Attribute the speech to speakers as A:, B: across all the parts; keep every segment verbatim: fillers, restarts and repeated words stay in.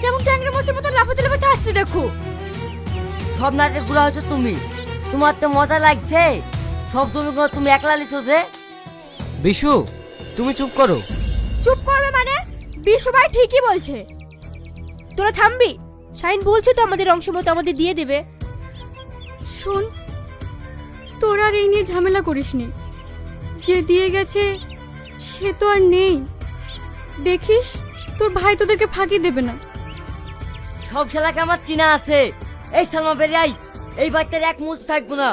A: কেমন ট্যাংরা মাছের মতো লাফাতে লাফাতে আসছে দেখো।
B: সব নাটক গুলো হচ্ছে তুমি, তোমার তো মজা লাগছে। সব জমিগুলো তুমি একলা লিখছো যে।
C: বিশু তুমি চুপ করো।
A: চুপ করবে মানে? বিশু ভাই ঠিকই বলছে।
D: তোরা থামবি? শাইন বলছে তো আমাদের অংশ মতো আমাদের দিয়ে দেবে।
A: শোন, তোরা আর এই নিয়ে ঝামেলা করিসনি। যে দিয়ে গেছে সে তো আর নেই। দেখিস তোর ভাই তোদেরকে ফাঁকি দেবে না।
B: সব শালাকে আমার চিনা আছে। এই সালমা বেরিয়াই, এই বাচ্চার এক মুহূর্ত থাকবো না।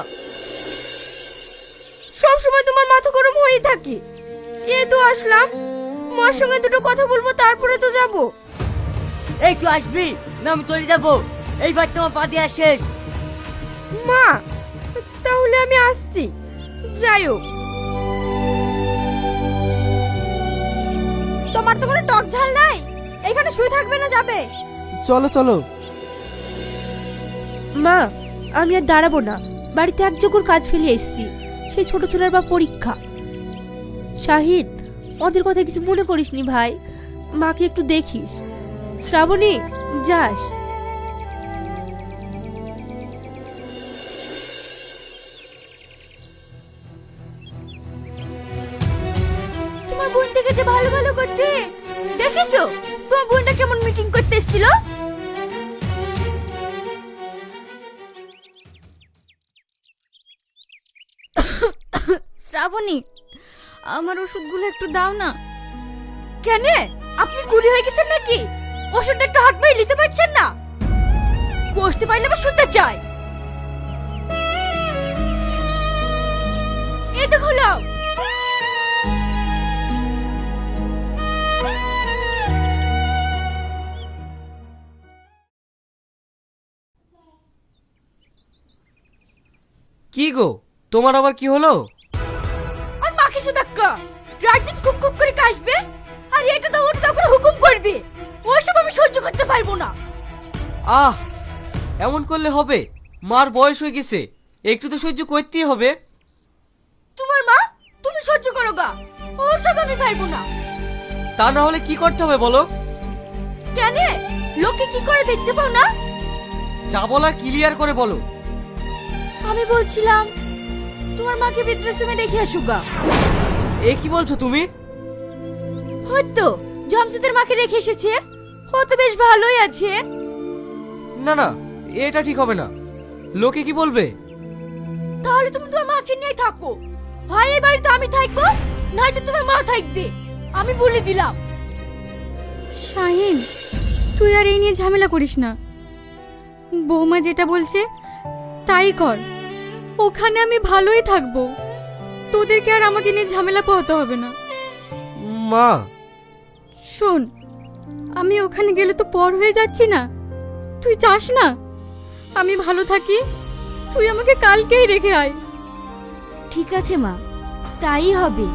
D: সব সময় তোমার মাথা গরম হয়েই থাকে। এ তো আসলাম, মার সঙ্গে দুটো কথা বলবো তারপরে তো যাব।
B: এই তুই আসবি না আমি চলে যাবো। এই বাচ্চা আমার পা দিয়ে শেষ।
D: মা তাহলে আমি আসছি, যাইও।
A: তোমার তো কোনো টক ঝাল নাই, এখানে শুয়ে থাকবে না যাবে?
C: চলো চলো।
D: মা আমি আর দাঁড়াবো না, বাড়িতে এক জোকর কাজ ফেলে এসেছি, সেই ছোট ছোটার বা পরীক্ষা। শাহিদ ওদের কথা কিছু মনে করিসনি ভাই, মাকে একটু দেখিস। শ্রাবণী যাস।
A: তোমার বোন থেকে যে ভালো ভালো করতে দেখিছো? তোমার বোনটা কেমন মিটিং করতে এসেছিল? শ্রাবণী, আমার ওষুধগুলো একটু দাও না। কেন, আপনি কুড়ি হয়ে গেছেন নাকি? ওষুধটা একটু হাত পায়ে নিতে পারছেন না? বসতে পারলে আবার শুনতে চাই। এই তো হলো।
C: কি গো, তোমার আবার কি হলো?
A: আর মাকে সুদাক্কা রাত দিন কুক কুক করে কাশবে, আর এটা তো ওটা করে হুকুম করবে। ওসব আমি সহ্য করতে পারবো না।
C: আহ, এমন করলে হবে? মার বয়স হয়ে গেছে, একটু তো সহ্য করতেই হবে।
A: তোমার মা, তুমি সহ্য করো গা, ওসব আমি পারবো না।
C: তা না হলে কি করতে হবে বলো?
A: কেন, লোকে কি করে দেখতে পাও না?
C: যা বলার ক্লিয়ার করে বলো।
A: আমি বলছিলাম তোমার মাকে বৃদ্ধাশ্রমে রেখে আসো গা।
C: এ কি বলছো তুমি?
A: হয়তো জমসিদের মাকে রেখে এসেছে, ও তো বেশ ভালোই আছে।
C: না না, এটা ঠিক হবে না। লোকে কি বলবে?
A: তাহলে তুমি তোমার মাকে নিয়ে থাকো। ভাই এই বাড়িতে আমি থাকবো, নয়তো তোমার মা থাকবে। আমি বলে দিলাম। শাহিন, তুই আর এই নিয়ে ঝামেলা করিস না। বৌমা যেটা বলছে তাই কর। ওখানে আমি ভালোই থাকবো, তোদেরকে আর আমাকে নিয়ে ঝামেলা পোহাতে হবে না।
C: মা
A: শোন, আমি ওখানে গেলে তো পর হয়ে যাচ্ছি না? তুই চাস না আমি ভালো থাকি? তুই আমাকে কালকেই রেখে আয়। ঠিক আছে মা, তাই হবে।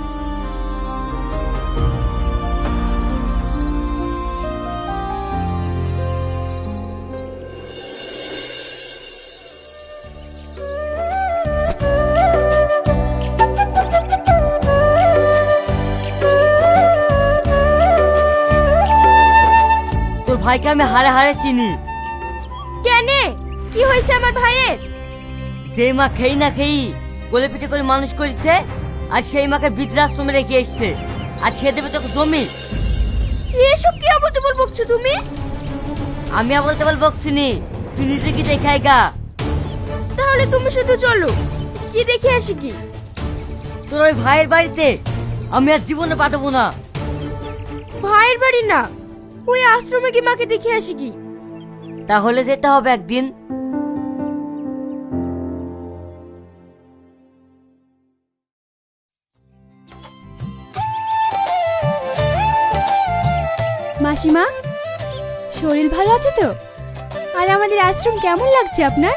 B: তোর ভাইকে আমি হারে হারে চিনি।
A: কেন, কি হয়েছে আমার ভাইয়ের?
B: যে মা খেই না খেই কোলে পিঠে করে মানুষ করেছে, আর সেই মাকে বৃদ্ধাশ্রমে রেখে এসছে, আর সে দেবে তোকে জমি।
A: এসব কি আবল তাবল বকছো তুমি?
B: আমি আবল তাবল বকছিনি, তুই নিজে কি দেখাই গা।
A: তাহলে তুমি শুধু চলো, কি দেখে আসি কি?
B: তোর ওই ভাইয়ের বাড়িতে আমি আর জীবনে পা দেবো না।
A: ভাইয়ের বাড়ি না, ওই আশ্রমে কি মাকে দেখে আসি কি?
B: তাহলে যেতে হবে একদিন।
A: মাসিমা, শরীর ভালো আছে তো? আর আমাদের আশ্রম কেমন লাগছে আপনার?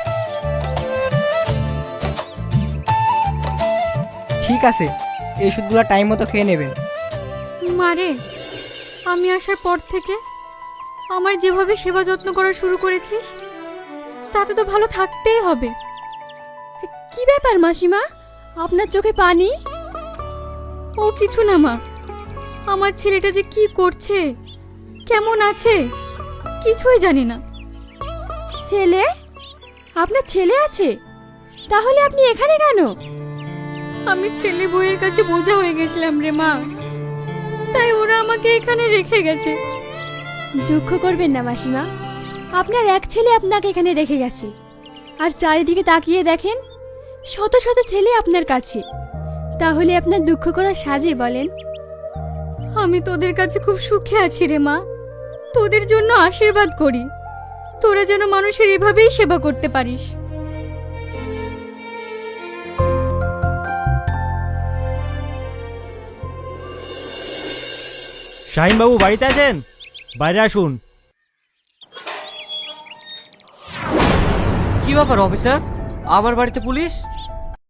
E: ঠিক আছে, এই ওষুধগুলো টাইম মতো খেয়ে নেবেন।
A: মারে, আমি আসার পর থেকে আমার যেভাবে সেবা যত্ন করা শুরু করেছিস, তাতে তো ভালো থাকতেই হবে। কি ব্যাপার মাসিমা, আপনার চোখে পানি? ও কিছু না মা, আমার ছেলেটা যে কি করছে, কেমন আছে কিছুই জানি না।
D: ছেলে? আপনার ছেলে আছে? তাহলে আপনি এখানে কেন?
A: আমি ছেলে বউয়ের কাছে বোঝা হয়ে গেছিলাম রে মা, তাই ওরা আমাকে এখানে রেখে গেছে।
D: দুঃখ করবেন না মাসিমা, আপনার এক ছেলে আপনাকে এখানে রেখে গেছে, আর চারিদিকে তাকিয়ে দেখেন শত শত ছেলে আপনার কাছে। তাহলে আপনার দুঃখ করা সাজে বলেন?
A: আমি তোদের কাছে খুব সুখে আছি রে মা, তোদের জন্য আশীর্বাদ করি তোরা যেন মানুষের এভাবেই সেবা করতে পারিস।
F: শাহিন বাবু বাড়িতে আছেন? বাইরে আসুন।
C: কি ব্যাপার অফিসার, আমার বাড়িতে পুলিশ?